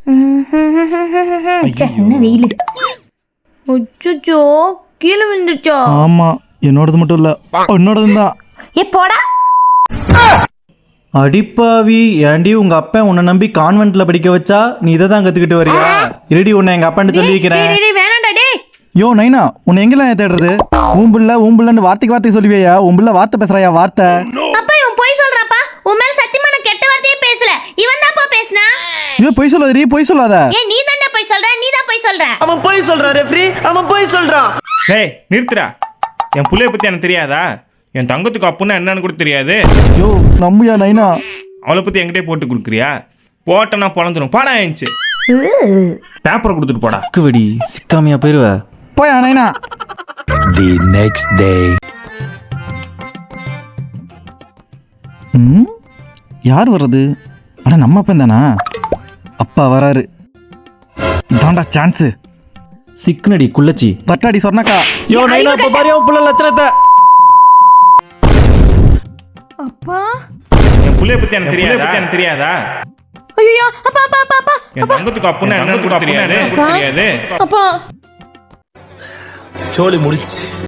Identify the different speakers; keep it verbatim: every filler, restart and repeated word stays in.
Speaker 1: என்ன வெயில். அச்சோ கீழே விழுந்துச்சோ.
Speaker 2: ஆமா என்னோடது மட்டும் இல்ல என்னோடது தான்.
Speaker 1: ஏ போடா.
Speaker 2: அடிப்பாவி ஏண்டி உங்க அப்பா உன்னை நம்பி கான்வென்ட்ல படிக்க வச்சா நீ இதை தான் கத்துக்கிட்டு வரியா? இருடி உன்னை எங்க அப்பான்னு சொல்லி வைக்கிறேன்.
Speaker 1: வேணாண்டா டே.
Speaker 2: யோ நைனா உன்னை எங்கெல்லாம் தேடுறது? ஊம்புள்ள ஊம்புள்ளன்னு வார்த்தைக்கு வார்த்தை சொல்லுவியா? உம்புள்ள வார்த்தை பேசுறாயா வார்த்தை?
Speaker 1: அப்பா இவன் போய் சொல்றாப்பா. உன் மேல சத்தியமா நான் கெட்ட வார்த்தையே பேசல. இவன் தான்ப்பா பேசினா.
Speaker 2: ஐயோ பொய் சொல்லாதடி பொய் சொல்லாத.
Speaker 1: ஏ நீ தான்டா போய் சொல்ற. நீ தான் போய் சொல்ற.
Speaker 3: அவன் போய் சொல்றான் ரெஃப்ரி. அவன் போய் சொல்றான்.
Speaker 4: டேய் நிறுத்துடா. என் புள்ளைய பத்தி எனக்கு தெரியாதா? என் தங்கத்துக்கு அப்புன்னா என்னன்னு கூட தெரியாது.
Speaker 2: யோ நம்பியா நைனா?
Speaker 4: அவளை பத்தி என்கிட்டே போட்டு கொடுக்குறியா? போட்டனா பொழந்துரும். பாடா ஆயிடுச்சு. பேப்பரை கொடுத்துட்டு போடா.
Speaker 2: குவடி சிக்காமையா போயிருவ. போயா நைனா.
Speaker 5: The next day.
Speaker 2: ம் யார் வர்றது? அட நம்ம அப்பா தானா? அப்பா வராரு. இதாண்டா சான்ஸ். சிக்குனடி குள்ளச்சி பட்டாடி சொன்னக்கா. யோ நைனா இப்ப பாரு உன் புள்ள லட்சணத்தை.
Speaker 1: அப்பா
Speaker 4: என் புள்ளைய பத்தி எனக்கு தெரியாதா? எனக்கு தெரியாதா?
Speaker 1: ஐயோ அப்பா அப்பா அப்பா அப்பா.
Speaker 4: என் தங்கத்துக்கு அப்புன்னா என்னன்னு கூட தெரியாது.
Speaker 1: அப்பா
Speaker 4: தெரியாது.
Speaker 1: அப்பா
Speaker 5: சோலி முடிச்சு.